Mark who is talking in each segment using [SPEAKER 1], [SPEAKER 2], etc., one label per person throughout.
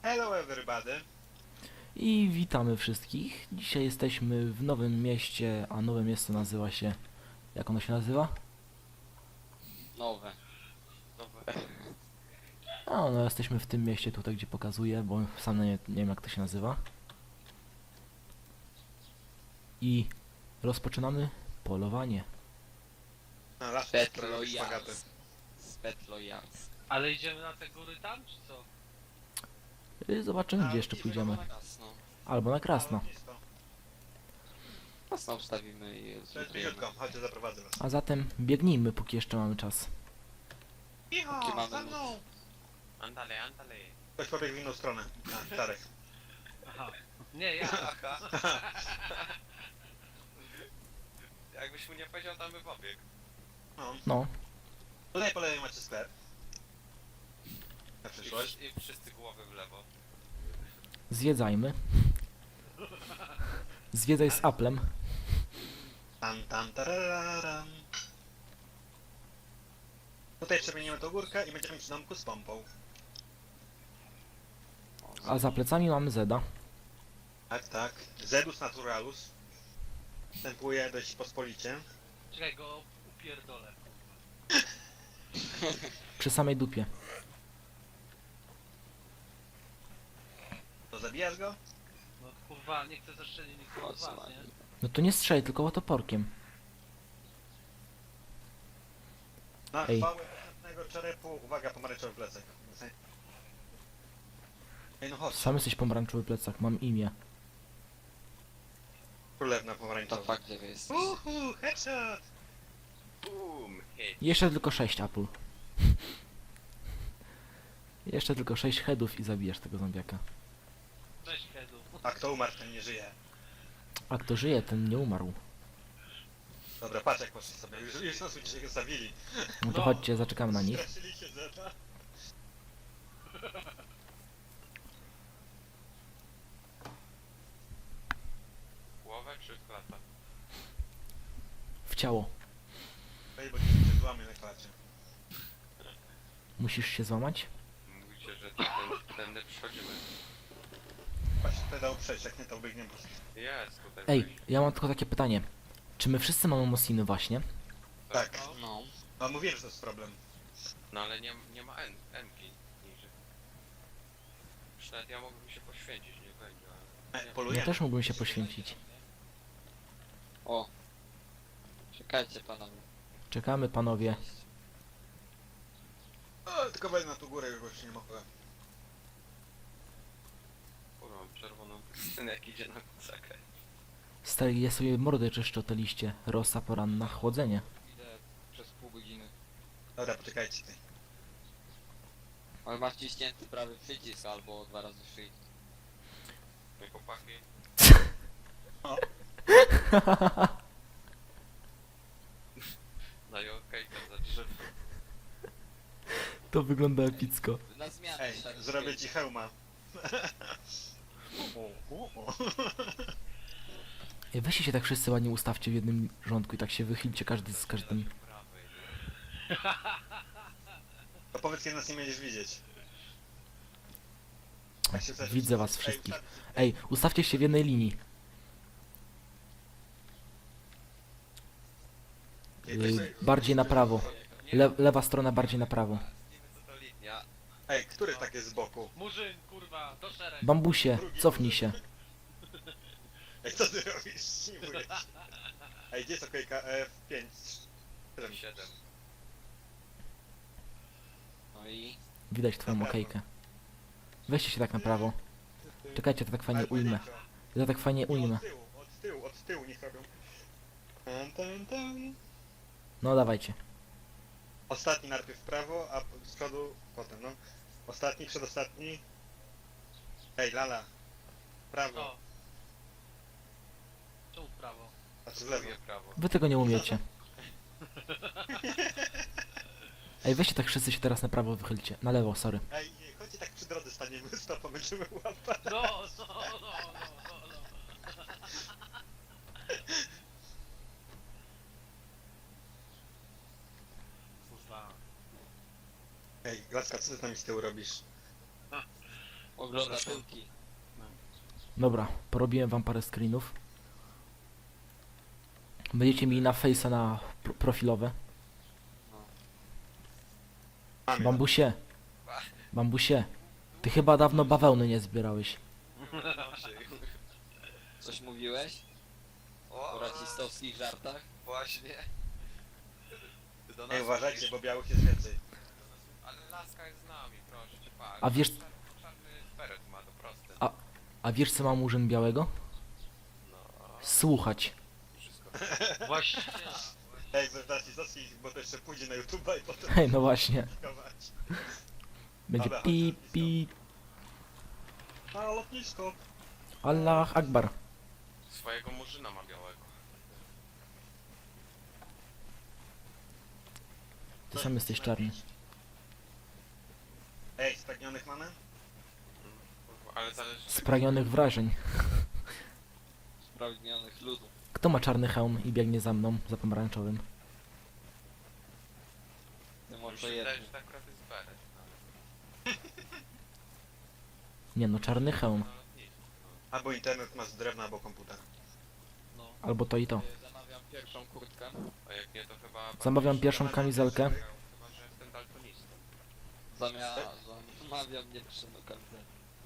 [SPEAKER 1] Hello everybody.
[SPEAKER 2] I witamy wszystkich. Dzisiaj jesteśmy w nowym mieście, a nowe miasto nazywa się... Jak ono się nazywa?
[SPEAKER 3] Nowe.
[SPEAKER 2] A no, jesteśmy w tym mieście tutaj, gdzie pokazuję, bo sam nie wiem jak to się nazywa. I rozpoczynamy polowanie.
[SPEAKER 1] No, raz szpagaty.
[SPEAKER 3] Spetlojans.
[SPEAKER 4] Ale idziemy na te góry tam, czy co?
[SPEAKER 2] Zobaczymy, gdzie jeszcze pójdziemy.
[SPEAKER 3] Jasno.
[SPEAKER 2] Albo na Krasno.
[SPEAKER 3] Jasno wstawimy i
[SPEAKER 1] To jest
[SPEAKER 3] zbudujemy.
[SPEAKER 1] bliziutko, chodźcie, zaprowadzę was.
[SPEAKER 2] A zatem biegnijmy, póki jeszcze mamy czas.
[SPEAKER 1] Icho,
[SPEAKER 3] Jakie mamy
[SPEAKER 1] za mną!
[SPEAKER 4] Andale, andale.
[SPEAKER 1] Ktoś pobiegł w inną stronę. A, Czarek.
[SPEAKER 4] Aha. Nie, ja.
[SPEAKER 5] Jakbyś mu nie powiedział, tam by pobiegł.
[SPEAKER 1] No.
[SPEAKER 2] No,
[SPEAKER 1] Tutaj po lewej macie sklep. Na przyszłość.
[SPEAKER 5] I wszyscy głowy w lewo.
[SPEAKER 2] zwiedzajmy. Zwiedzaj z Applem.
[SPEAKER 1] Tam, tararam. Tutaj przemienimy tą górkę i będziemy przy domku z pompą.
[SPEAKER 2] A za plecami mamy Zeda.
[SPEAKER 1] Tak, tak. Zedus naturalus. Wstępuje dość pospolicie.
[SPEAKER 4] Czekaj, go upierdolę.
[SPEAKER 2] Przy samej dupie.
[SPEAKER 1] To zabijasz go?
[SPEAKER 4] No kurwa, nie chcę zaszczelić nikogo
[SPEAKER 3] O,
[SPEAKER 4] z
[SPEAKER 3] co
[SPEAKER 4] was, nie?
[SPEAKER 2] No to nie strzelaj, tylko toporkiem.
[SPEAKER 1] Na
[SPEAKER 2] Ej.
[SPEAKER 1] chwałę następnego czerepu. Uwaga, pomarańczowy plecak. Ej, no chodź.
[SPEAKER 2] Sam jesteś pomarańczowy plecak, mam imię.
[SPEAKER 1] Królewna
[SPEAKER 3] To
[SPEAKER 1] pomarańczowa.
[SPEAKER 3] fakt, gdzie wy jesteście.
[SPEAKER 1] Headshot!
[SPEAKER 5] Boom! Hit!
[SPEAKER 2] Jeszcze tylko 6 Apple. Jeszcze tylko 6 headów i zabijesz tego zombiaka.
[SPEAKER 4] Cześć, Kedu.
[SPEAKER 1] A kto umarł, ten nie żyje.
[SPEAKER 2] A kto żyje, ten nie umarł.
[SPEAKER 1] Dobra, patrz jak poszli sobie. Już nas się zabili.
[SPEAKER 2] No to
[SPEAKER 4] No.
[SPEAKER 2] chodźcie, zaczekamy na nich.
[SPEAKER 1] Straszyli się Zeta.
[SPEAKER 5] Głowę czy klata?
[SPEAKER 2] W ciało.
[SPEAKER 1] Ej, bo ci się złamie na klacie.
[SPEAKER 2] Musisz się złamać?
[SPEAKER 5] Mówicie, że tędy przychodzimy.
[SPEAKER 1] Właśnie tutaj dał przejść, jak nie to biegniemy po prostu.
[SPEAKER 5] Jest tutaj.
[SPEAKER 2] Ej,
[SPEAKER 5] wejście.
[SPEAKER 2] ja mam tylko takie pytanie. Czy my wszyscy mamy Mosiny właśnie?
[SPEAKER 1] Tak.
[SPEAKER 3] No.
[SPEAKER 1] No mówiłem, że to jest problem.
[SPEAKER 5] No ale nie ma N-ki niżej. Już nawet ja mógłbym się poświęcić, nie będzie, ale...
[SPEAKER 2] Ja
[SPEAKER 1] Polujemy.
[SPEAKER 2] też mógłbym się poświęcić.
[SPEAKER 3] O. Czekajcie panowie.
[SPEAKER 2] Czekamy, panowie.
[SPEAKER 1] O, tylko wejdę na tą górę, już bo już nie mogę.
[SPEAKER 5] Kurwa, mam czerwoną pustynę, jak idzie na kucakę.
[SPEAKER 2] Stary, ja sobie mordę czyszczę o te liście. Rosa poranna, chłodzenie.
[SPEAKER 3] Idę przez pół godziny.
[SPEAKER 1] Dobra, poczekajcie ty.
[SPEAKER 3] Ale masz ciśnięty prawy przycisk albo 2 razy shift.
[SPEAKER 5] No i chłopaki. Daję okejkę za drzewo.
[SPEAKER 2] To wygląda epicko.
[SPEAKER 3] Na zmianę.
[SPEAKER 1] Ej,
[SPEAKER 3] szary
[SPEAKER 1] zrobię
[SPEAKER 3] shift.
[SPEAKER 1] ci hełma. O.
[SPEAKER 2] Ej, weźcie się tak wszyscy ładnie ustawcie w jednym rządku i tak się wychylcie każdy z każdym.
[SPEAKER 5] Prawej.
[SPEAKER 1] To powiedz, kiedy nas nie będziesz widzieć. Jak się chcesz-
[SPEAKER 2] Widzę was
[SPEAKER 1] Ej,
[SPEAKER 2] wszystkich.
[SPEAKER 1] ustaw-
[SPEAKER 2] Ej, ustawcie się w jednej linii. Bardziej na prawo. Lewa strona bardziej na prawo.
[SPEAKER 5] Co to linia?
[SPEAKER 1] Ej, który tak jest z boku?
[SPEAKER 4] Murzyn, kurwa, do szereg.
[SPEAKER 2] Bambusie, cofnij się.
[SPEAKER 1] Ej, co ty robisz? Simuję się. Ej, gdzie jest okejka? F5.
[SPEAKER 5] 7.
[SPEAKER 3] No i...
[SPEAKER 2] Widać twoją okejkę. Weźcie się tak na prawo. Czekajcie, to tak fajnie
[SPEAKER 1] Albo
[SPEAKER 2] ujmę.
[SPEAKER 1] nie, to-
[SPEAKER 2] Ja tak fajnie ujmę.
[SPEAKER 1] Od tyłu niech robią. Tan.
[SPEAKER 2] No dawajcie.
[SPEAKER 1] Ostatni najpierw w prawo, a z przodu potem, no. Ostatni, przedostatni. Ej, Lala. Prawo,
[SPEAKER 4] Co? Czemu w prawo?
[SPEAKER 1] a czy w lewo?
[SPEAKER 5] Drugie prawo.
[SPEAKER 2] Wy tego nie umiecie. Ej, weźcie tak wszyscy się teraz na prawo wychylcie. Na lewo, sorry.
[SPEAKER 1] Ej, nie, chodźcie tak przy drodze staniemy, stopa, będziemy łapać.
[SPEAKER 4] No, no, no, no, no. Kurwa.
[SPEAKER 1] Ej, Glaska, co ty z nami z tyłu robisz?
[SPEAKER 3] Ogląda tyłki.
[SPEAKER 2] Dobra, porobiłem wam parę screenów. Będziecie mieli na face'a na profilowe.
[SPEAKER 1] Mam
[SPEAKER 2] Bambusie. Bambusie. Ty chyba dawno bawełny nie zbierałeś.
[SPEAKER 3] Coś mówiłeś? O rasistowskich żartach?
[SPEAKER 5] Właśnie. Ty do nas
[SPEAKER 1] Ej, uważajcie,
[SPEAKER 5] mówisz?
[SPEAKER 1] bo białych jest więcej.
[SPEAKER 5] Ale laska jest z nami, proszę cię, patrz.
[SPEAKER 2] A wiesz-
[SPEAKER 5] Czarny beret ma, to proste.
[SPEAKER 2] A wiesz co ma Murzyn białego?
[SPEAKER 5] No,
[SPEAKER 2] Słuchać.
[SPEAKER 5] wszystko.
[SPEAKER 4] Właśnie.
[SPEAKER 1] Ej, zacznij, bo to jeszcze pójdzie na YouTube'a i potem
[SPEAKER 2] Hej, no właśnie.
[SPEAKER 1] publikować.
[SPEAKER 2] Będzie
[SPEAKER 1] Dobra,
[SPEAKER 2] pi,
[SPEAKER 1] chodź,
[SPEAKER 2] pi.
[SPEAKER 1] A, lotnisko.
[SPEAKER 2] Allah Akbar.
[SPEAKER 5] Swojego murzyna ma białego.
[SPEAKER 2] Ty sam jesteś czarny.
[SPEAKER 1] Ej, spragnionych mamy?
[SPEAKER 5] Kurwa, ale zależy...
[SPEAKER 2] Spragnionych wrażeń.
[SPEAKER 3] Spragnionych ludów.
[SPEAKER 2] Kto ma czarny hełm i biegnie za mną, za pomarańczowym?
[SPEAKER 3] Ty
[SPEAKER 5] Mi
[SPEAKER 3] może
[SPEAKER 5] się wydaje,
[SPEAKER 3] jeden.
[SPEAKER 5] że to akurat jest beret.
[SPEAKER 2] Nie no, czarny hełm.
[SPEAKER 5] Na lotnisku, no.
[SPEAKER 1] Albo internet masz z drewna, albo komputer.
[SPEAKER 4] No.
[SPEAKER 2] Albo to i to.
[SPEAKER 3] Zamawiam pierwszą kurtkę.
[SPEAKER 5] A jak nie, to chyba...
[SPEAKER 2] Zamawiam pierwszą kamizelkę.
[SPEAKER 5] Chyba, że jestem daltonistą.
[SPEAKER 3] Zamawiam nieprzyjemną kartę.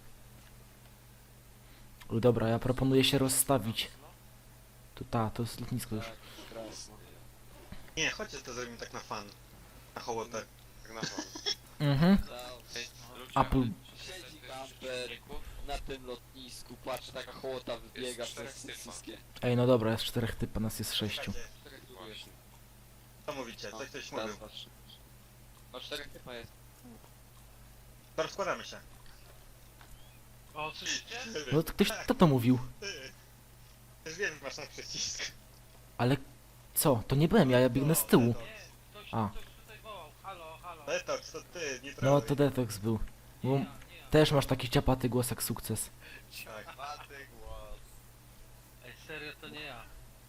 [SPEAKER 2] Dobra, ja proponuję się rozstawić. To jest lotnisko już.
[SPEAKER 3] Tak, krasno.
[SPEAKER 1] Nie, chodźcie to zrobimy tak na fan. Na hołotę.
[SPEAKER 5] Tak na wolno.
[SPEAKER 2] Mhm.
[SPEAKER 5] Ej, ludzie,
[SPEAKER 2] Apple.
[SPEAKER 5] ale
[SPEAKER 3] Siedzi
[SPEAKER 5] tych
[SPEAKER 3] kamper
[SPEAKER 5] przeciwników
[SPEAKER 3] na tym lotnisku, patrz, taka hołota wybiega
[SPEAKER 5] Jest czterech
[SPEAKER 3] przez
[SPEAKER 5] typa.
[SPEAKER 3] wszystkie.
[SPEAKER 2] Ej, no dobra, jest 4 typa, nas jest 6.
[SPEAKER 1] Słuchajcie,
[SPEAKER 5] Właśnie.
[SPEAKER 1] co mówicie? Coś ktoś mówił.
[SPEAKER 3] patrz. No 4 typa jest.
[SPEAKER 1] To rozkładamy się.
[SPEAKER 4] O, słyszycie?
[SPEAKER 2] No to ktoś, kto to mówił?
[SPEAKER 1] Ty. Już wiem, masz na przycisk.
[SPEAKER 2] Ale co? To nie byłem ja, ja biegnę z tyłu.
[SPEAKER 4] Nie, ktoś,
[SPEAKER 2] A.
[SPEAKER 4] ktoś tutaj wołał. Halo, halo.
[SPEAKER 1] Detox, to ty, nie
[SPEAKER 2] No
[SPEAKER 1] troluj.
[SPEAKER 2] to Detox był.
[SPEAKER 4] Nie
[SPEAKER 2] Bo
[SPEAKER 4] ja, nie ja.
[SPEAKER 2] też masz taki ciapaty głos jak sukces.
[SPEAKER 1] Tak.
[SPEAKER 5] Maty głos.
[SPEAKER 4] Ej, serio, to nie ja.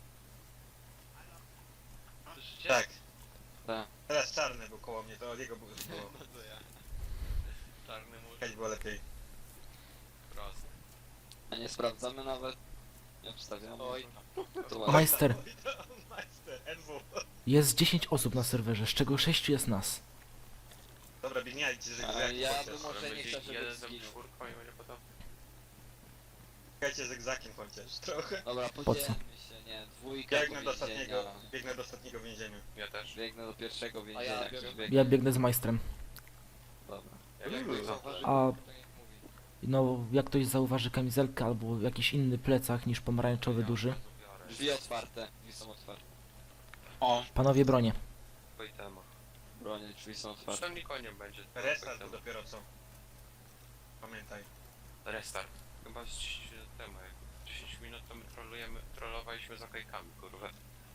[SPEAKER 4] Słyszycie?
[SPEAKER 1] Tak.
[SPEAKER 3] Tak.
[SPEAKER 1] Teraz czarny był koło mnie, to od jego było.
[SPEAKER 5] No to ja. Czarny murzyn.
[SPEAKER 1] Jakaś było lepiej.
[SPEAKER 5] Proste.
[SPEAKER 3] A nie sprawdzamy nawet. Nie obstawiamy.
[SPEAKER 5] Oj.
[SPEAKER 3] To ładnie.
[SPEAKER 2] Majster,
[SPEAKER 1] Majster, NW.
[SPEAKER 2] jest 10 osób na serwerze, z czego 6 jest nas.
[SPEAKER 1] Dobra, biegniajcie, że
[SPEAKER 3] Ale ja
[SPEAKER 1] chociaż.
[SPEAKER 3] bym- Może
[SPEAKER 5] Ale
[SPEAKER 3] nie
[SPEAKER 5] będzie
[SPEAKER 3] chcę, żeby
[SPEAKER 5] jeden ze
[SPEAKER 3] zginął.
[SPEAKER 5] czwórką i będzie potem...
[SPEAKER 1] Biegajcie z egzakiem chociaż, trochę.
[SPEAKER 3] Dobra,
[SPEAKER 2] co?
[SPEAKER 3] podzielmy się, nie. Dwójka
[SPEAKER 1] Biegnę do ostatniego więzienia.
[SPEAKER 5] Ja też.
[SPEAKER 3] Biegnę do pierwszego więzienia.
[SPEAKER 5] ja
[SPEAKER 3] ktoś
[SPEAKER 5] biorę-
[SPEAKER 3] biegnie.
[SPEAKER 2] Ja biegnę z majstrem.
[SPEAKER 3] Dobra.
[SPEAKER 5] Jak ktoś zauważy,
[SPEAKER 2] A
[SPEAKER 3] To niech mówi.
[SPEAKER 2] no, jak ktoś zauważy kamizelkę albo jakiś inny plecak niż pomarańczowy duży.
[SPEAKER 3] Drzwi otwarte. Drzwi są otwarte.
[SPEAKER 2] Panowie bronię.
[SPEAKER 5] Wojtema.
[SPEAKER 3] Bronie, drzwi są otwarte.
[SPEAKER 5] Zresztą koniem będzie.
[SPEAKER 1] Restart to dopiero co. Pamiętaj.
[SPEAKER 5] Restart. Chyba z 10 minut temu. Jak 10 minut to my trollowaliśmy za kajkami, kurwa.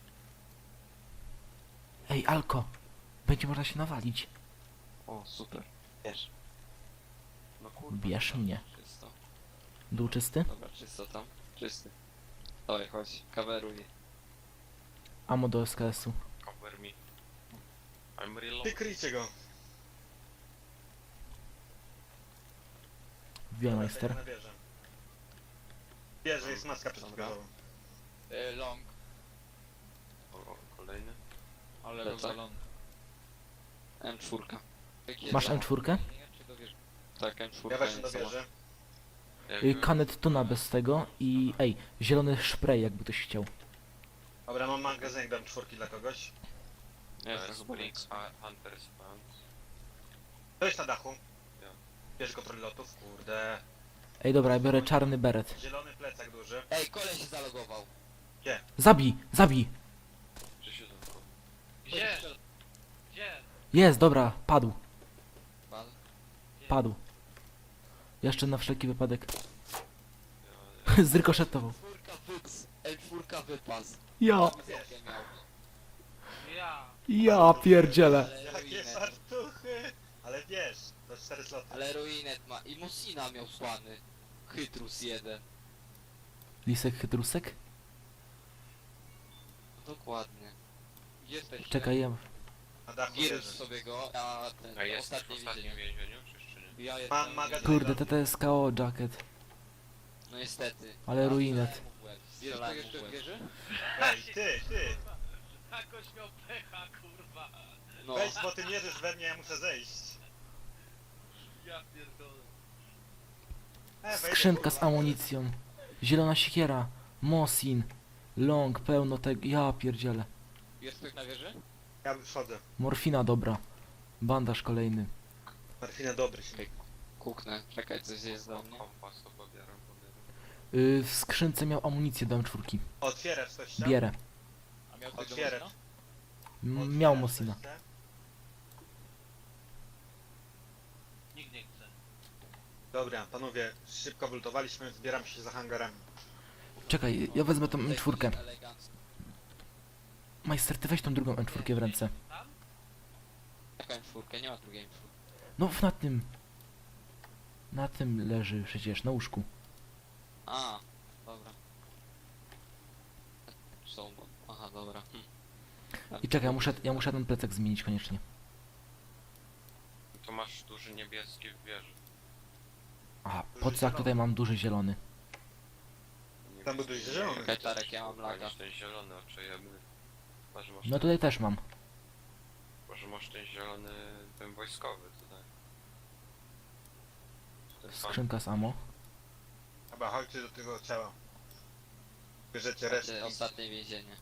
[SPEAKER 2] Ej, Alko! Będzie można się nawalić.
[SPEAKER 3] O, super. Wiesz.
[SPEAKER 5] No kurwa.
[SPEAKER 2] Bierz mnie.
[SPEAKER 3] Czysto.
[SPEAKER 2] Dół czysty?
[SPEAKER 3] Dobra, czysto tam. Czysty. Oj, chodź, kaweruj.
[SPEAKER 2] Amo do SKS-u.
[SPEAKER 5] Cover me. I'm real.
[SPEAKER 1] Ty kryjcie go.
[SPEAKER 2] Wbijaj majster.
[SPEAKER 1] Na wieżę. Wieży jest maska przeciwgazowa.
[SPEAKER 3] Long.
[SPEAKER 5] O, kolejny.
[SPEAKER 3] Ale rozwalony. M4.
[SPEAKER 2] Masz M4?
[SPEAKER 3] Tak, M4.
[SPEAKER 1] Ja weszłem do
[SPEAKER 3] nie sama.
[SPEAKER 1] wieży.
[SPEAKER 2] Kanet tuna bez tego i ej, zielony spray jakby ktoś chciał.
[SPEAKER 1] Dobra, mam magazynek, dam czwórki dla kogoś.
[SPEAKER 3] Nie, to chyba
[SPEAKER 5] Spring
[SPEAKER 3] nie.
[SPEAKER 5] Hunters Pants.
[SPEAKER 1] To jest na dachu.
[SPEAKER 5] Ja.
[SPEAKER 1] Bierz kontroli lotów, kurde.
[SPEAKER 2] Ej dobra, ja biorę czarny beret.
[SPEAKER 1] Zielony plecak duży.
[SPEAKER 3] Ej, koleś się zalogował.
[SPEAKER 2] Zabij! Zabij!
[SPEAKER 5] Czy się zamknął?
[SPEAKER 4] Gdzie? Gdzie?
[SPEAKER 2] Jest, dobra, padł.
[SPEAKER 3] Pan?
[SPEAKER 2] Padł. Jeszcze na wszelki wypadek.
[SPEAKER 5] Ja,
[SPEAKER 2] Zrykoszetował.
[SPEAKER 3] M4 wypas.
[SPEAKER 2] Ja!
[SPEAKER 3] miał.
[SPEAKER 4] Ja.
[SPEAKER 2] Ja pierdzielę.
[SPEAKER 3] Ale
[SPEAKER 1] Jakie
[SPEAKER 3] ruinet.
[SPEAKER 1] fartuchy! Ale wiesz, to 4 sloty.
[SPEAKER 3] Ale ruinet ma. I Musina miał słany. Chytrus 1.
[SPEAKER 2] Lisek chytrusek?
[SPEAKER 3] Dokładnie. Gdzie jesteście?
[SPEAKER 2] Czekaj, ja...
[SPEAKER 1] Na dachu
[SPEAKER 3] Girus
[SPEAKER 1] wieży.
[SPEAKER 3] sobie go, a ten
[SPEAKER 5] A jest
[SPEAKER 3] ostatni
[SPEAKER 5] w ostatnim
[SPEAKER 3] więzienie.
[SPEAKER 5] więzieniu, czy jeszcze nie?
[SPEAKER 3] Ja jestem...
[SPEAKER 1] Mam magazyn.
[SPEAKER 2] Kurde, TTSKO jacket.
[SPEAKER 3] No niestety.
[SPEAKER 2] Ale ruinet.
[SPEAKER 3] Strzelałem mu w łeb.
[SPEAKER 1] Ej, ty!
[SPEAKER 4] Jakoś miał pecha, kurwa.
[SPEAKER 3] No,
[SPEAKER 1] Weź, bo ty mierzysz we mnie, ja muszę zejść.
[SPEAKER 4] Ja pierdolę.
[SPEAKER 1] Wejdę,
[SPEAKER 2] Skrzynka z
[SPEAKER 1] kurwa.
[SPEAKER 2] amunicją. Zielona siekiera. Mosin. Long, pełno tego. Ja pierdzielę.
[SPEAKER 3] jest ktoś na wieży?
[SPEAKER 1] Ja wychodzę.
[SPEAKER 2] Morfina dobra. Bandaż kolejny.
[SPEAKER 1] Marfina dobry się.
[SPEAKER 3] Kuknę, czekaj, coś jest do mnie.
[SPEAKER 5] Kompas to pobieram.
[SPEAKER 2] W skrzynce miał amunicję do M4.
[SPEAKER 1] Otwierasz coś tam?
[SPEAKER 2] Bierę.
[SPEAKER 3] A miał ktoś do
[SPEAKER 1] Otwierać.
[SPEAKER 3] Mosina?
[SPEAKER 2] Miał
[SPEAKER 1] Otwierasz
[SPEAKER 2] Mosina.
[SPEAKER 1] coś tam?
[SPEAKER 4] Nikt nie chce.
[SPEAKER 1] Dobra, panowie, szybko wylutowaliśmy, zbieram się za hangarami.
[SPEAKER 2] Czekaj, ja wezmę tą
[SPEAKER 3] Tutaj
[SPEAKER 2] M4.
[SPEAKER 3] ktoś elegancko.
[SPEAKER 2] Majster, ty weź tą drugą M4 w ręce.
[SPEAKER 4] Tam?
[SPEAKER 3] Jaka M4? Nie ma drugiej M4.
[SPEAKER 2] No na tym. Na tym leży przecież, na łóżku.
[SPEAKER 3] A, dobra. Są, aha, dobra.
[SPEAKER 2] I czekaj, ja muszę ten plecak zmienić koniecznie.
[SPEAKER 5] To masz duży niebieski w wieży.
[SPEAKER 2] A, po co jak tutaj mam duży zielony?
[SPEAKER 1] Tam był duży zielony.
[SPEAKER 3] Czekaj, Tarek, ja mam laga.
[SPEAKER 5] Masz ten zielony, oczejemy. Może masz,
[SPEAKER 2] No tutaj też mam.
[SPEAKER 5] może masz ten zielony, ten wojskowy tutaj. Ten pan.
[SPEAKER 2] Skrzynka z ammo.
[SPEAKER 1] Chyba chodźcie do tego ciała. Bierzecie resztę.
[SPEAKER 3] Znaczy, ostatnie więzienie.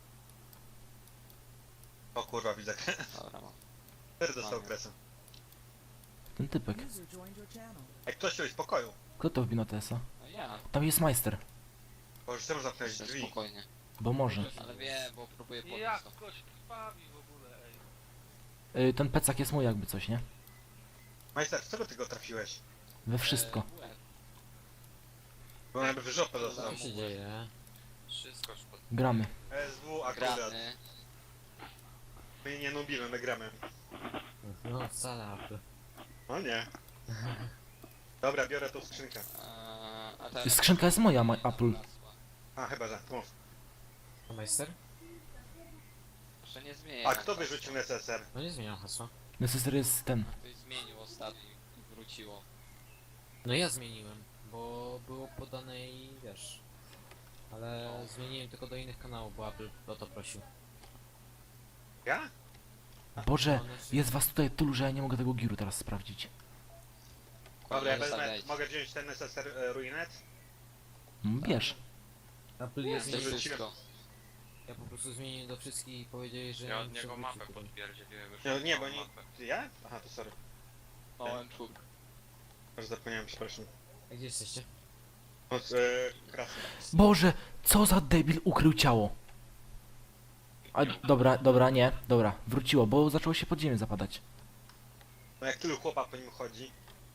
[SPEAKER 1] O kurwa, widzę.
[SPEAKER 3] Dobra, mam.
[SPEAKER 1] Który dostał
[SPEAKER 3] Mamy.
[SPEAKER 1] kresę?
[SPEAKER 2] Ten typek.
[SPEAKER 6] User joined your channel.
[SPEAKER 1] Jak ktoś się z pokoju.
[SPEAKER 2] Kto to wbił na TS-a?
[SPEAKER 3] No ja,
[SPEAKER 2] Tam jest majster.
[SPEAKER 1] Bo już chcę zamknąć
[SPEAKER 3] jeszcze
[SPEAKER 1] drzwi.
[SPEAKER 3] spokojnie.
[SPEAKER 2] Bo może.
[SPEAKER 3] Ale wiem, bo próbuję
[SPEAKER 4] Jak
[SPEAKER 3] podnieść to.
[SPEAKER 4] ktoś krwawi w ogóle, ej.
[SPEAKER 2] Ten plecak jest mój jakby coś, nie?
[SPEAKER 1] Majster, z czego ty go trafiłeś?
[SPEAKER 2] We wszystko.
[SPEAKER 3] Łeb.
[SPEAKER 1] Bo jakby w żopę dostał.
[SPEAKER 3] Co się dzieje?
[SPEAKER 5] Wszystko już pod...
[SPEAKER 2] Gramy.
[SPEAKER 1] SW akurat.
[SPEAKER 3] Gramy.
[SPEAKER 1] My nie nubimy, my gramy.
[SPEAKER 7] No wcale, aby.
[SPEAKER 1] O nie. Dobra, biorę tą skrzynkę.
[SPEAKER 3] A teraz...
[SPEAKER 2] Skrzynka jest moja, Apple.
[SPEAKER 1] A, chyba że. Mów.
[SPEAKER 7] A majster?
[SPEAKER 3] Proszę nie zmieniaj.
[SPEAKER 1] A kto wyrzucił SSR?
[SPEAKER 7] No nie zmieniam hasła.
[SPEAKER 2] Necessary jest ten.
[SPEAKER 3] Ktoś zmienił ostatni i wróciło.
[SPEAKER 7] No ja zmieniłem, bo było podane i wiesz. Ale zmieniłem tylko do innych kanałów, bo Apple o to prosił.
[SPEAKER 1] Ja?
[SPEAKER 2] Boże,
[SPEAKER 7] One
[SPEAKER 2] jest was tutaj tylu, że ja nie mogę tego giru teraz sprawdzić.
[SPEAKER 1] Dobra, ja wezmę.
[SPEAKER 3] Zostawiajcie.
[SPEAKER 1] Mogę wziąć ten SSR Ruinet?
[SPEAKER 2] No, bierz.
[SPEAKER 7] Apple
[SPEAKER 1] Nie,
[SPEAKER 7] jest...
[SPEAKER 3] To
[SPEAKER 1] nie
[SPEAKER 7] Ja
[SPEAKER 1] wróciłem.
[SPEAKER 3] wszystko.
[SPEAKER 7] po prostu zmieniłem do wszystkich i powiedzieli, że...
[SPEAKER 5] Ja od
[SPEAKER 7] muszę
[SPEAKER 5] niego
[SPEAKER 7] wrócić
[SPEAKER 5] mapę
[SPEAKER 7] tutaj.
[SPEAKER 5] podpierdzieliłem już.
[SPEAKER 1] No nie, bo
[SPEAKER 5] mam
[SPEAKER 1] nie.
[SPEAKER 5] mapę.
[SPEAKER 1] Ty ja? Aha, to sorry.
[SPEAKER 3] Małem czub.
[SPEAKER 1] Może zapomniałem, przepraszam.
[SPEAKER 7] A gdzie jesteście?
[SPEAKER 1] Od krasy.
[SPEAKER 2] Boże, co za debil ukrył ciało. A, dobra, nie, dobra, wróciło, bo zaczęło się pod ziemię zapadać.
[SPEAKER 1] No jak tylu chłopa po nim chodzi.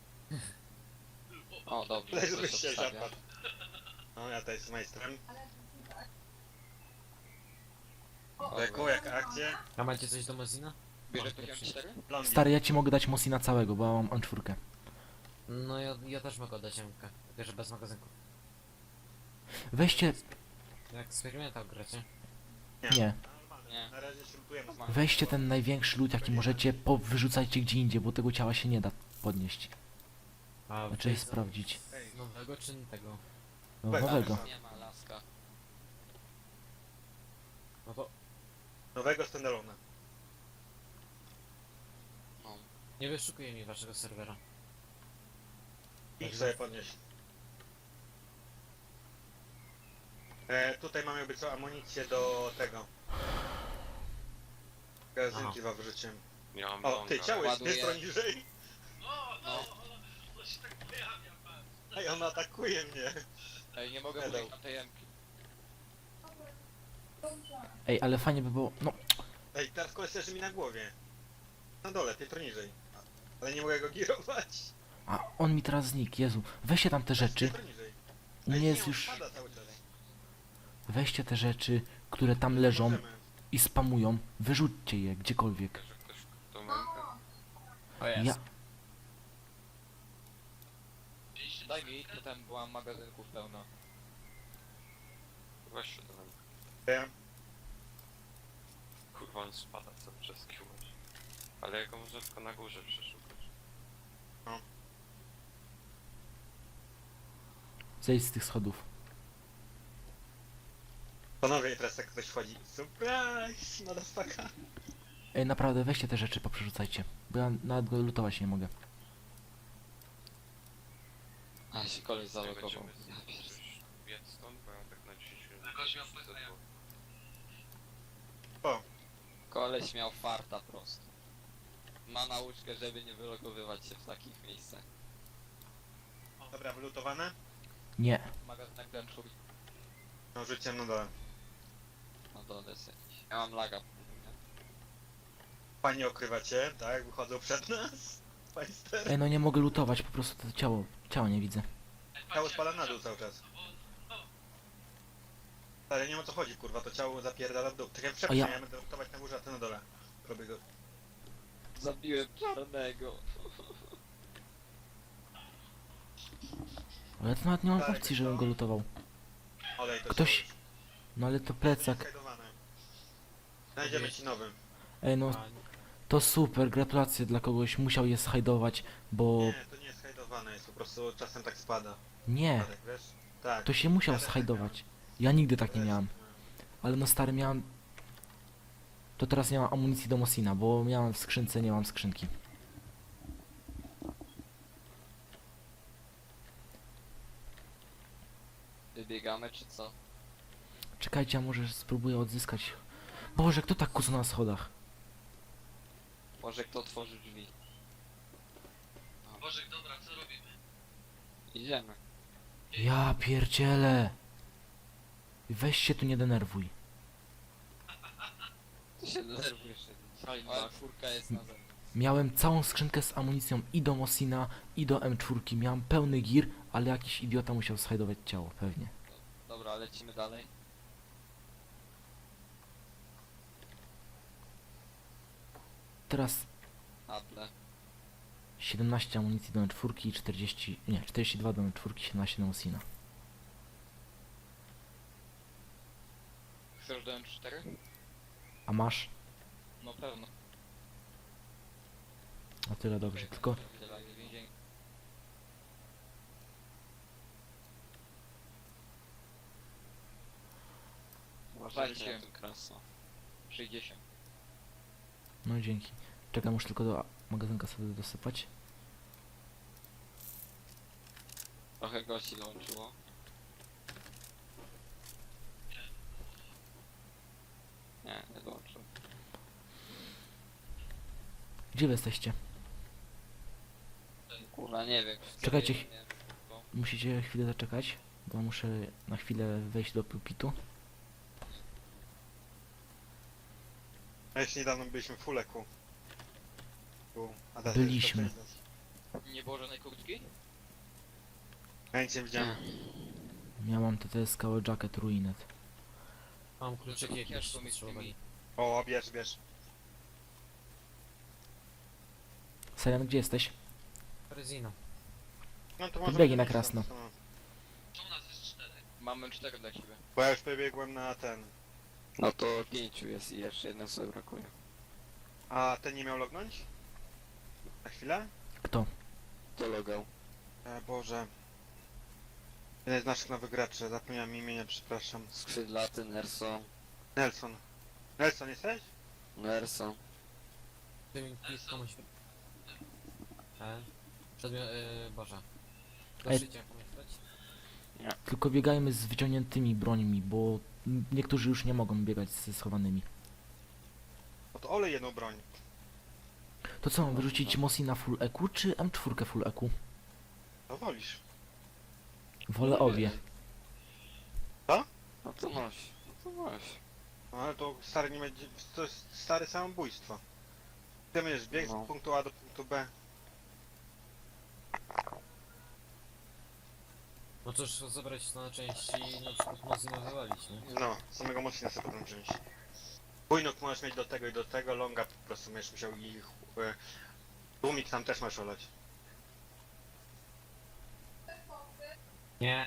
[SPEAKER 3] O, dobrze.
[SPEAKER 1] Leży
[SPEAKER 3] ktoś
[SPEAKER 1] byś się
[SPEAKER 3] obstawia.
[SPEAKER 1] zapadł. No ja tutaj z majstrem. Deku, jak akcja.
[SPEAKER 7] A macie coś do Mozina?
[SPEAKER 3] Bierze
[SPEAKER 7] Masz
[SPEAKER 3] poziom
[SPEAKER 7] lepszy.
[SPEAKER 3] 4?
[SPEAKER 1] Blondie.
[SPEAKER 2] Stary, ja ci mogę dać Mosina całego, bo ja mam M4.
[SPEAKER 7] No ja też mogę oddać MK, tylko że bez magazynku.
[SPEAKER 2] Weźcie,
[SPEAKER 7] Jak eksperymentał gracie?
[SPEAKER 2] nie,
[SPEAKER 3] Nie.
[SPEAKER 1] Na razie się lutujemy.
[SPEAKER 2] weźcie ten największy lód jaki możecie, wyrzucajcie gdzie indziej, bo tego ciała się nie da podnieść.
[SPEAKER 7] A
[SPEAKER 2] Znaczy
[SPEAKER 7] wy-
[SPEAKER 2] sprawdzić.
[SPEAKER 1] Ej,
[SPEAKER 7] Nowego czy tego?
[SPEAKER 2] No,
[SPEAKER 1] Bez-
[SPEAKER 2] nowego.
[SPEAKER 3] Nie ma laska.
[SPEAKER 7] No to
[SPEAKER 1] nowego standalona.
[SPEAKER 3] No.
[SPEAKER 7] nie wyszukuję mi waszego serwera.
[SPEAKER 1] Ich sobie podnieść. Tutaj mamy jakby co amunicję do tego. Gazynki wam wyrzuciłem.
[SPEAKER 5] Ja mam
[SPEAKER 1] O, ty,
[SPEAKER 5] longa.
[SPEAKER 1] ciało jest
[SPEAKER 3] Ładuję.
[SPEAKER 1] piętro niżej.
[SPEAKER 3] No.
[SPEAKER 4] To się tak pojawia, patrz.
[SPEAKER 1] Ej, on atakuje mnie.
[SPEAKER 3] Ej, nie mogę
[SPEAKER 1] Pedał.
[SPEAKER 3] mówić na tej emki.
[SPEAKER 2] Ej, ale fajnie by było, no,
[SPEAKER 1] Ej, teraz koleś leży mi na głowie. Na dole, piętro niżej. Ale nie mogę go girować.
[SPEAKER 2] a on mi teraz znikł, Jezu. Weźcie tam te rzeczy,
[SPEAKER 1] Piętro niżej.
[SPEAKER 2] u
[SPEAKER 1] Ej,
[SPEAKER 2] mnie
[SPEAKER 1] nie,
[SPEAKER 2] jest
[SPEAKER 1] on
[SPEAKER 2] już,
[SPEAKER 1] spada cały czas.
[SPEAKER 2] weźcie te rzeczy, które tam leżą
[SPEAKER 1] Możemy.
[SPEAKER 2] i spamują, wyrzućcie je gdziekolwiek.
[SPEAKER 5] Że ktoś to ma.
[SPEAKER 3] O jest.
[SPEAKER 2] Ja,
[SPEAKER 3] Daj mi, to tam była magazynków pełno.
[SPEAKER 5] Weź się do mnie.
[SPEAKER 1] Ja.
[SPEAKER 5] Kurwa, on spada cały czas kiłoś. Ale jego można tylko na górze przeszukać.
[SPEAKER 2] Zejdź z tych schodów.
[SPEAKER 1] Panowie, i teraz jak ktoś wchodzi. Surprise! Motherfucker!
[SPEAKER 2] Ej, naprawdę, weźcie te rzeczy, poprzerzucajcie. Bo ja nawet go lutować nie mogę.
[SPEAKER 3] A się koleś zalogował.
[SPEAKER 5] Będziemy
[SPEAKER 3] Ja pierdolę.
[SPEAKER 5] coś biec stąd, bo ja tak na 10 minut.
[SPEAKER 4] Jakoś miał
[SPEAKER 5] muszę
[SPEAKER 4] pecha,
[SPEAKER 5] zadbać.
[SPEAKER 1] O,
[SPEAKER 3] Koleś miał farta prosto. Ma nauczkę, żeby nie wylogowywać się w takich miejscach.
[SPEAKER 1] dobra, wylutowane?
[SPEAKER 2] Nie.
[SPEAKER 3] Magazynek dęczu.
[SPEAKER 1] No, rzuciłem na dole.
[SPEAKER 3] No dole jest jakiś. Ja mam laga.
[SPEAKER 1] Fajnie okrywacie, tak? Wychodzą przed nas. Państer.
[SPEAKER 2] Ej, no nie mogę lutować, po prostu to ciała nie widzę.
[SPEAKER 1] Ciało spada na dół cały czas. Ale nie wiem o co chodzi, kurwa, to ciało zapierdala w dół. Tak jak
[SPEAKER 2] A ja-
[SPEAKER 1] ja będę lutować na górze, a ty na dole. Robię go.
[SPEAKER 3] Zabiłem czarnego.
[SPEAKER 2] Ale to nawet nie mam
[SPEAKER 1] Darek,
[SPEAKER 2] opcji, żebym
[SPEAKER 1] co?
[SPEAKER 2] go lutował.
[SPEAKER 1] Olej to
[SPEAKER 2] Ktoś-
[SPEAKER 1] ciało już.
[SPEAKER 2] No ale to plecak.
[SPEAKER 1] Skajdowane. Znajdziemy ci nowy.
[SPEAKER 2] Ej, no
[SPEAKER 7] A,
[SPEAKER 2] to super, gratulacje dla kogoś, musiał je schajdować, bo...
[SPEAKER 1] Nie, to nie jest skajdowane, jest po prostu czasem tak spada.
[SPEAKER 2] Nie,
[SPEAKER 1] Spadek, wiesz? Tak.
[SPEAKER 2] to się musiał
[SPEAKER 1] Ja też tak
[SPEAKER 2] schajdować. Ja nigdy tak nie
[SPEAKER 1] Też,
[SPEAKER 2] miałem. Ale no stary, miałem... To teraz nie mam amunicji do Mosina, bo miałem w skrzynce, nie mam skrzynki.
[SPEAKER 3] Wybiegamy czy co?
[SPEAKER 2] Czekajcie, a może spróbuję odzyskać... Boże, kto tak kuca na schodach?
[SPEAKER 3] Może kto otworzy drzwi?
[SPEAKER 4] Bożek, dobra, co robimy?
[SPEAKER 3] Idziemy.
[SPEAKER 2] Ja pierdzielę! Weź się tu nie denerwuj.
[SPEAKER 3] Ty się denerwujesz. Ale czwórka jest na zewnątrz.
[SPEAKER 2] Miałem całą skrzynkę z amunicją i do Mosina, i do M4. Miałem pełny gir, ale jakiś idiota musiał schajdować ciało, pewnie.
[SPEAKER 3] Dobra, lecimy dalej.
[SPEAKER 2] Teraz
[SPEAKER 3] Na tle.
[SPEAKER 2] 17 amunicji do M4 i 40... Nie, 42 do M4, 17 do Mosina.
[SPEAKER 3] Chcesz do M4?
[SPEAKER 2] A masz?
[SPEAKER 3] No pewno.
[SPEAKER 2] O tyle dobrze, tylko...
[SPEAKER 3] Uważajcie na ten krasno. 60.
[SPEAKER 2] No dzięki. Czekam, muszę tylko do magazynka sobie dosypać.
[SPEAKER 3] Trochę gości dołączyło. Nie dołączyło.
[SPEAKER 2] Gdzie wy jesteście?
[SPEAKER 3] Kurwa, nie wiem.
[SPEAKER 2] Czekajcie.
[SPEAKER 3] Nie wiem, bo-
[SPEAKER 2] Musicie chwilę zaczekać, bo muszę na chwilę wejść do pulpitu.
[SPEAKER 1] A jeszcze niedawno byliśmy w Fuleku. A teraz
[SPEAKER 2] Byliśmy.
[SPEAKER 1] jest to Texas.
[SPEAKER 3] Nie było żadnej kurtki?
[SPEAKER 1] Ja nic nie widziałem.
[SPEAKER 2] Miałam TTS Cały Jacket Ruinet.
[SPEAKER 7] mam kluczyki jakieś
[SPEAKER 3] Kieszką mi
[SPEAKER 7] potrzebowali.
[SPEAKER 1] O, bierz, bierz.
[SPEAKER 2] Selian, gdzie jesteś?
[SPEAKER 7] Rezina.
[SPEAKER 1] No to
[SPEAKER 2] Podbiegi na
[SPEAKER 1] iść
[SPEAKER 2] krasno.
[SPEAKER 1] tam, no.
[SPEAKER 4] Czemu nas jest 4?
[SPEAKER 3] Mamy 4 dla ciebie.
[SPEAKER 1] Bo ja już pobiegłem na ten.
[SPEAKER 3] No to 5 jest i jeszcze jeden sobie brakuje.
[SPEAKER 1] A ten nie miał lognąć? Na chwilę?
[SPEAKER 2] Kto?
[SPEAKER 3] To logał.
[SPEAKER 1] Boże. Jeden z naszych nowych graczy, zapomniałem imienia, przepraszam.
[SPEAKER 3] Skrzydlaty, Nerso.
[SPEAKER 1] Nelson. Nelson jesteś?
[SPEAKER 3] Nerso.
[SPEAKER 7] Ty mi komuś... Przedmiot... Boże. Do
[SPEAKER 2] Ej.
[SPEAKER 7] szycia komuś dać?
[SPEAKER 2] Tylko biegajmy z wyciągniętymi brońmi, bo niektórzy już nie mogą biegać ze schowanymi.
[SPEAKER 1] No to olej jedną broń.
[SPEAKER 2] To co, mam wyrzucić Mosina full EQ czy M4 full EQ?
[SPEAKER 1] To wolisz.
[SPEAKER 2] Wolę obie.
[SPEAKER 3] No to noś. No to noś.
[SPEAKER 1] No ale to stary nie będzie. To jest stare samobójstwo. Ty będziesz bieg
[SPEAKER 3] No.
[SPEAKER 1] z punktu A do punktu B.
[SPEAKER 7] No cóż, zabrać na części na przykład Mozilla wywalić, nie?
[SPEAKER 1] No, samego mocnika sobie potem wziąć. Bójnok możesz mieć do tego i do tego, longa po prostu będziesz musiał ich... Tłumik tam też masz olać.
[SPEAKER 7] Nie.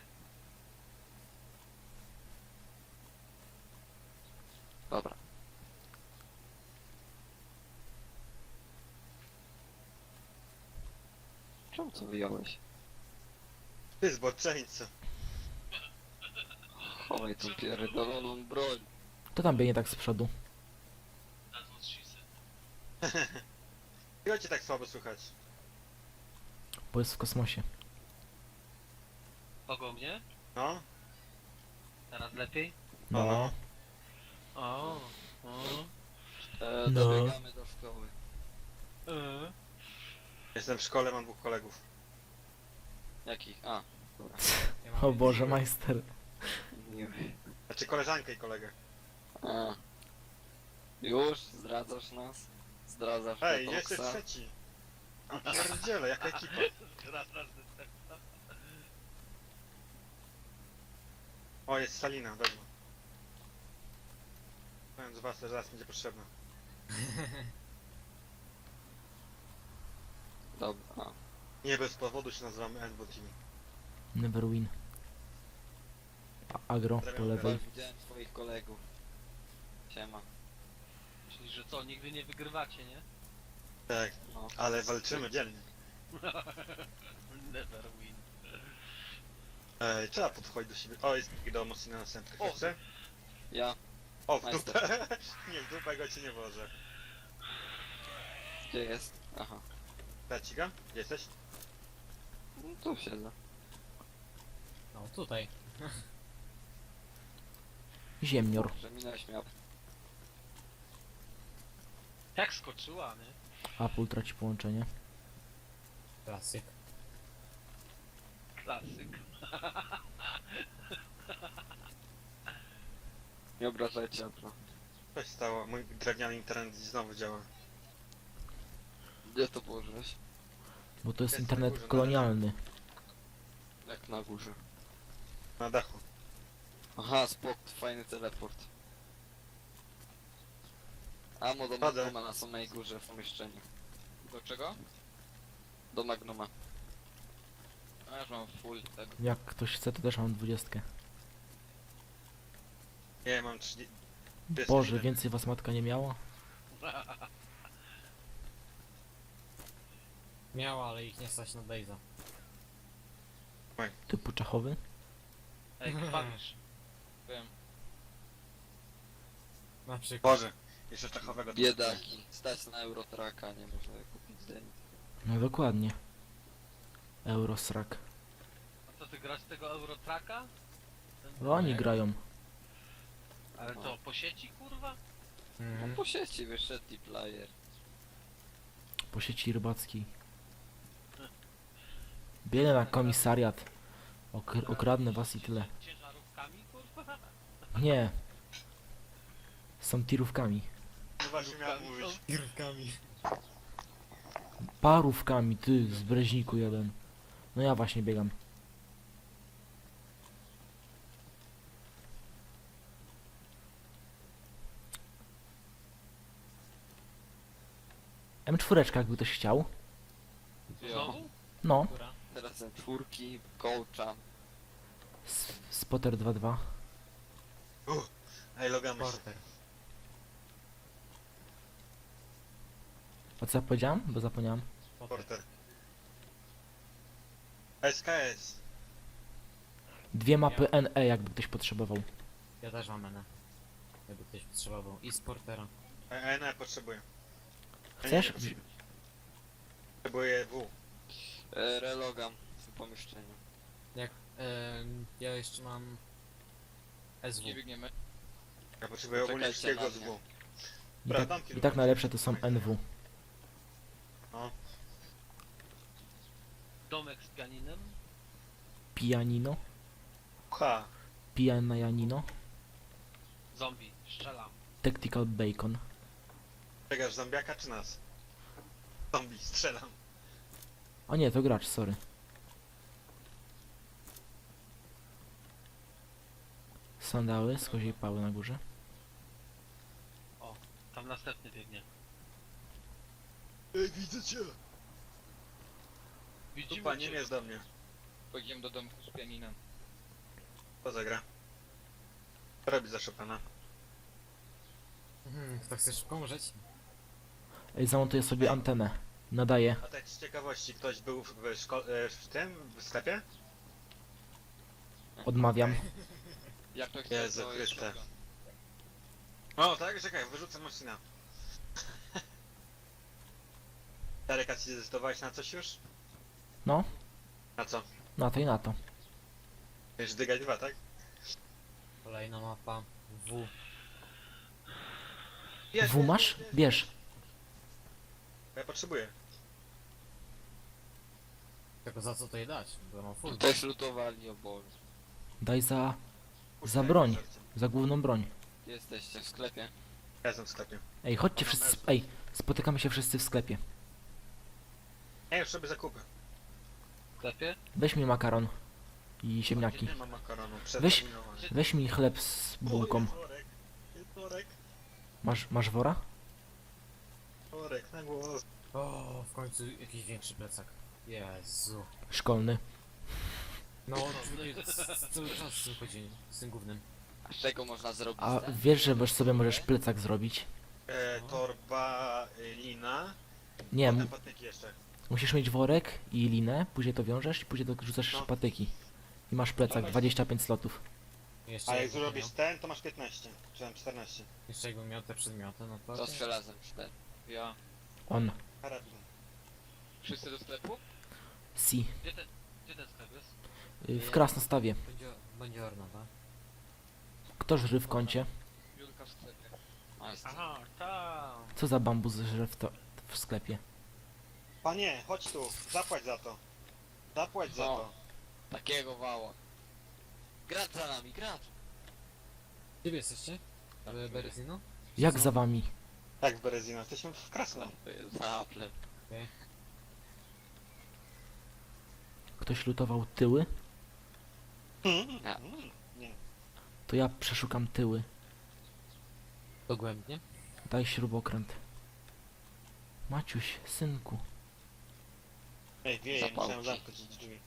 [SPEAKER 3] Dobra. Czemu to wyjąłeś?
[SPEAKER 1] Ty zboczeńco.
[SPEAKER 3] Chowaj tą pierdoloną broń.
[SPEAKER 2] To tam biegnie tak z przodu.
[SPEAKER 4] That's what she said.
[SPEAKER 1] Dlaczego cię tak słabo słychać?
[SPEAKER 2] Bo jest w kosmosie.
[SPEAKER 4] Kogo mnie?
[SPEAKER 1] No?
[SPEAKER 4] Teraz lepiej?
[SPEAKER 2] No.
[SPEAKER 1] No.
[SPEAKER 4] O.
[SPEAKER 2] No.
[SPEAKER 3] Dobiegamy do szkoły.
[SPEAKER 1] Jestem w szkole, mam 2 kolegów.
[SPEAKER 3] Jakich? A, dobra.
[SPEAKER 7] Ja mam
[SPEAKER 2] O Boże, majster.
[SPEAKER 3] Nie.
[SPEAKER 1] Znaczy koleżankę i kolegę.
[SPEAKER 3] A. Już? Zdradzasz nas? Zdradzasz
[SPEAKER 1] Ej,
[SPEAKER 3] Detoxa?
[SPEAKER 1] jeszcze trzeci. A pierdziele, jaka ekipa.
[SPEAKER 4] Raz tak.
[SPEAKER 1] O, jest Salina, wezmę. Powiem z was, że zaraz będzie potrzebna.
[SPEAKER 3] Dobra. A.
[SPEAKER 1] Nie bez powodu się nazywamy NBO Team.
[SPEAKER 2] Never win. Agro po lewej.
[SPEAKER 3] Widziałem twoich kolegów. Siema.
[SPEAKER 4] Czyli, że co, nigdy nie wygrywacie, nie?
[SPEAKER 1] Tak,
[SPEAKER 3] No.
[SPEAKER 1] ale walczymy dzielnie.
[SPEAKER 4] Never win.
[SPEAKER 1] Ej, trzeba podchodzić do siebie. O, jest taki do mocno następny.
[SPEAKER 4] O.
[SPEAKER 1] Chcesz?
[SPEAKER 3] Ja?
[SPEAKER 1] O, w
[SPEAKER 3] Majster.
[SPEAKER 1] dupę. Nie, w dupę go ci nie włożę.
[SPEAKER 3] Gdzie jest? Aha.
[SPEAKER 1] Dać ci go? Gdzie jesteś?
[SPEAKER 3] No tu siedzę.
[SPEAKER 7] No tutaj.
[SPEAKER 2] Ziemnior.
[SPEAKER 3] Że minąłeś miał.
[SPEAKER 4] Jak skoczyła, nie?
[SPEAKER 2] Apple traci połączenie.
[SPEAKER 7] Klasyk.
[SPEAKER 4] Klasyk.
[SPEAKER 3] Nie obrażajcie, Apro.
[SPEAKER 1] Co się stało? Mój drewniany internet znowu działa.
[SPEAKER 3] Gdzie to położyłeś?
[SPEAKER 2] Bo to jest
[SPEAKER 1] Jest na
[SPEAKER 2] internet
[SPEAKER 1] górze, na
[SPEAKER 2] kolonialny.
[SPEAKER 3] Jak na górze.
[SPEAKER 1] Na dachu.
[SPEAKER 3] Aha, spok, fajny teleport. Amo do
[SPEAKER 1] Chodzę.
[SPEAKER 3] Magnuma na samej górze w pomieszczeniu.
[SPEAKER 5] Do czego?
[SPEAKER 3] Do Magnuma.
[SPEAKER 5] A ja już mam full tego.
[SPEAKER 2] Jak ktoś chce, to też mam 20.
[SPEAKER 1] Nie, mam 30.
[SPEAKER 2] Boże, więcej was matka nie miała?
[SPEAKER 7] Miała, ale ich nie stać na Dave'a.
[SPEAKER 2] Typu czachowy?
[SPEAKER 4] Ej, krwawisz.
[SPEAKER 5] Wiem.
[SPEAKER 7] Na przykład.
[SPEAKER 1] Boże, jeszcze czachowego. tu
[SPEAKER 3] Biedaki. Stać na Eurotraka, nie można kupić Zenit.
[SPEAKER 2] No dokładnie. Eurosrak.
[SPEAKER 4] A co, ty grasz tego Eurotraka?
[SPEAKER 2] No oni grają.
[SPEAKER 4] Ale to po sieci, kurwa?
[SPEAKER 3] No
[SPEAKER 7] Mhm.
[SPEAKER 3] po sieci wyszedł player.
[SPEAKER 2] Po sieci rybackiej. Biegnę na komisariat. Okradnę was i tyle.
[SPEAKER 4] Ciężarówkami, kurwa?
[SPEAKER 2] Nie. Są tirówkami.
[SPEAKER 1] No właśnie miałem mówić.
[SPEAKER 7] Girkami.
[SPEAKER 2] Parówkami, ty, z Breźniku jeden. No ja właśnie biegam. M4, jakby ktoś chciał.
[SPEAKER 4] Znowu?
[SPEAKER 2] No,
[SPEAKER 7] Która?
[SPEAKER 3] Teraz ten czwórki, coacha.
[SPEAKER 2] Spotter 2.2.
[SPEAKER 1] Ej, logamy się.
[SPEAKER 7] Porter.
[SPEAKER 2] A co ja powiedziałem? Bo zapomniałem.
[SPEAKER 1] Porter. SKS.
[SPEAKER 2] Dwie mapy NE, jakby ktoś potrzebował.
[SPEAKER 7] Ja też mam N. Jakby ktoś potrzebował. I z Portera.
[SPEAKER 1] Nie, potrzebuję.
[SPEAKER 2] Chcesz?
[SPEAKER 1] Potrzebuję W.
[SPEAKER 3] Relogam w pomieszczeniu.
[SPEAKER 7] Jak... ja jeszcze mam... SW.
[SPEAKER 5] Nie biegniemy.
[SPEAKER 1] Ja potrzebuję ogólnie
[SPEAKER 3] Poczekajcie
[SPEAKER 1] wszystkiego
[SPEAKER 3] na
[SPEAKER 1] z
[SPEAKER 3] mnie.
[SPEAKER 1] W.
[SPEAKER 2] I
[SPEAKER 1] Dobra,
[SPEAKER 2] tak,
[SPEAKER 1] dam
[SPEAKER 2] i
[SPEAKER 1] kilka.
[SPEAKER 2] tak najlepsze to są NW.
[SPEAKER 1] No.
[SPEAKER 4] Domek z pianinem?
[SPEAKER 2] Pianino.
[SPEAKER 1] Ha.
[SPEAKER 2] Pianajanino.
[SPEAKER 4] Zombie, strzelam.
[SPEAKER 2] Tactical Bacon.
[SPEAKER 1] Biegasz zombiaka czy nas? Zombie, strzelam.
[SPEAKER 2] O nie, to gracz, sorry. Sandały z koziej pały na górze.
[SPEAKER 4] Tam następny biegnie.
[SPEAKER 1] Ej, widzę cię.
[SPEAKER 4] Widzimy
[SPEAKER 1] Dupa, nie
[SPEAKER 4] cię.
[SPEAKER 1] mierz do mnie.
[SPEAKER 5] Pojedziemy do domku z pianinem.
[SPEAKER 1] Co zagra? Co robi za Chopina?
[SPEAKER 7] To chcesz pomrzeć?
[SPEAKER 2] Ej, zamontuję sobie antenę. Nadaję.
[SPEAKER 1] A tak z ciekawości, ktoś był w tym, w sklepie?
[SPEAKER 2] Odmawiam.
[SPEAKER 3] Jak to chce,
[SPEAKER 1] Jezu
[SPEAKER 3] to jest
[SPEAKER 1] Chryste.
[SPEAKER 3] shotgun.
[SPEAKER 1] O, tak? Czekaj, wyrzucę Mosina. Darek, a ci zdecydowałeś na coś już?
[SPEAKER 2] No,
[SPEAKER 1] Na co?
[SPEAKER 2] na to i na to.
[SPEAKER 1] Już dygać 2, tak?
[SPEAKER 7] Kolejna mapa. W.
[SPEAKER 2] W masz? Bierz.
[SPEAKER 1] Ja potrzebuję.
[SPEAKER 7] Tylko za co to je dać? Bo mam full.
[SPEAKER 3] Też lutowali, o Boże.
[SPEAKER 2] Daj za
[SPEAKER 1] Puszczaj,
[SPEAKER 2] broń.
[SPEAKER 1] żarcie.
[SPEAKER 2] Za główną broń.
[SPEAKER 3] Gdzie jesteście? W sklepie?
[SPEAKER 1] Ja jestem w sklepie.
[SPEAKER 2] Ej, chodźcie wszyscy. Ej, spotykamy się wszyscy w sklepie.
[SPEAKER 1] Ja już sobie zakupy.
[SPEAKER 4] W sklepie?
[SPEAKER 2] Weź mi makaron i ziemniaki.
[SPEAKER 1] Nie mam makaronu,
[SPEAKER 2] Weź-
[SPEAKER 1] przeterminowany.
[SPEAKER 2] Weź mi chleb z bułką.
[SPEAKER 1] Jest worek, jest worek,
[SPEAKER 2] Masz wora?
[SPEAKER 1] worek na głos.
[SPEAKER 7] O, w końcu jakiś większy plecak. Jezu.
[SPEAKER 2] Szkolny.
[SPEAKER 7] No, cały czas z tym chodzi, z tym głównym.
[SPEAKER 3] A z czego można zrobić
[SPEAKER 2] A
[SPEAKER 3] ten?
[SPEAKER 2] wiesz, że możesz sobie możesz plecak zrobić?
[SPEAKER 1] Torba, lina,
[SPEAKER 2] Nie,
[SPEAKER 1] potem patyki jeszcze.
[SPEAKER 2] musisz mieć worek i linę, później to wiążesz i później rzucasz
[SPEAKER 1] No.
[SPEAKER 2] patyki. I masz plecak, 25 slotów.
[SPEAKER 7] Jeszcze
[SPEAKER 1] A jak
[SPEAKER 7] jakbym
[SPEAKER 1] zrobisz
[SPEAKER 7] miał-
[SPEAKER 1] ten, to masz 15, czy tam 14.
[SPEAKER 7] Jeszcze jakbym miał te przedmioty, no to...
[SPEAKER 3] To z żelazem 4. Ja.
[SPEAKER 2] On.
[SPEAKER 1] Karabin.
[SPEAKER 3] Wszyscy do sklepu?
[SPEAKER 2] Si.
[SPEAKER 4] Gdzie ten sklep jest?
[SPEAKER 2] W Krasnostawie.
[SPEAKER 7] Będzie orna, tak?
[SPEAKER 2] Kto żry w kącie?
[SPEAKER 3] Julka w sklepie. A, jest.
[SPEAKER 4] Aha, tam.
[SPEAKER 2] Co za bambus żre w sklepie?
[SPEAKER 1] Panie, chodź tu, zapłać za to. Zapłać za
[SPEAKER 3] No.
[SPEAKER 1] to.
[SPEAKER 3] Takiego wała. Gracz za nami, gracz!
[SPEAKER 7] Gdzie wy jesteście? W Berezino?
[SPEAKER 2] Jak za wami?
[SPEAKER 1] Tak, w Berezino, jesteśmy w Krasno.
[SPEAKER 3] To jest zaplep.
[SPEAKER 2] Ktoś lutował tyły?
[SPEAKER 3] Ja.
[SPEAKER 1] Nie.
[SPEAKER 2] To ja przeszukam tyły.
[SPEAKER 7] Dogłębnie?
[SPEAKER 2] Daj śrubokręt. Maciuś, synku.
[SPEAKER 1] Ej, wieje,
[SPEAKER 3] Zapałki.
[SPEAKER 1] musiałem zamknąć drzwi.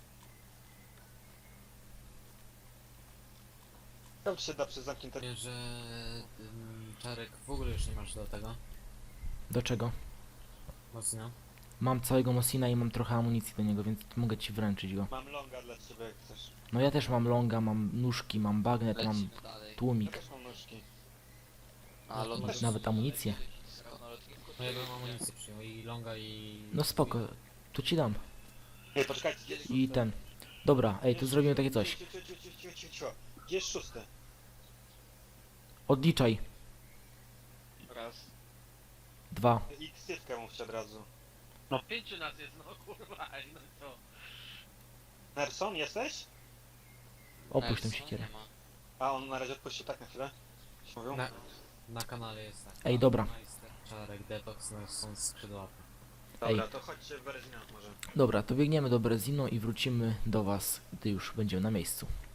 [SPEAKER 1] To się da przez zamknięte...
[SPEAKER 7] Wiem, że... Czarek w ogóle już nie masz do tego.
[SPEAKER 2] Do czego?
[SPEAKER 7] Mocno.
[SPEAKER 2] Mam całego Mosina i mam trochę amunicji do niego, więc mogę ci wręczyć go.
[SPEAKER 1] Mam longa dla ciebie, jak chcesz.
[SPEAKER 2] No ja też mam longa, mam nóżki, mam bagnet, mam
[SPEAKER 3] Lecimy dalej.
[SPEAKER 1] Ja
[SPEAKER 2] tłumik.
[SPEAKER 1] też mam nóżki.
[SPEAKER 3] A
[SPEAKER 7] No,
[SPEAKER 3] lotnisko.
[SPEAKER 2] nawet amunicję.
[SPEAKER 3] Skoro na lotnisku,
[SPEAKER 7] No ja
[SPEAKER 3] to
[SPEAKER 7] bym
[SPEAKER 3] jest-
[SPEAKER 7] amunicję przyjął i longa i...
[SPEAKER 2] No spoko, tu ci dam.
[SPEAKER 1] Ej, poczekajcie, gdzie jest
[SPEAKER 2] I
[SPEAKER 1] szósty?
[SPEAKER 2] ten. Dobra, ej, tu zrobimy takie coś.
[SPEAKER 1] Cio. Gdzie jest szósty?
[SPEAKER 2] Odliczaj.
[SPEAKER 3] Raz.
[SPEAKER 2] 2.
[SPEAKER 1] I ksywkę mówcie od razu.
[SPEAKER 4] No 5 nas jest, no kurwa, ej, no to...
[SPEAKER 1] Nerson, jesteś?
[SPEAKER 2] Opuść tę
[SPEAKER 3] Nelson
[SPEAKER 2] siekierę.
[SPEAKER 3] nie ma.
[SPEAKER 1] A on na razie odpuścił tak na chwilę. Mówią?
[SPEAKER 7] Na kanale jest tak.
[SPEAKER 2] Ej, dobra.
[SPEAKER 7] Majster, Czarek, Detox, no są skrzydłaty.
[SPEAKER 1] Dobra,
[SPEAKER 2] Ej.
[SPEAKER 1] to chodźcie w Berezinach może.
[SPEAKER 2] Dobra, to biegniemy do Brezino i wrócimy do was, gdy już będziemy na miejscu.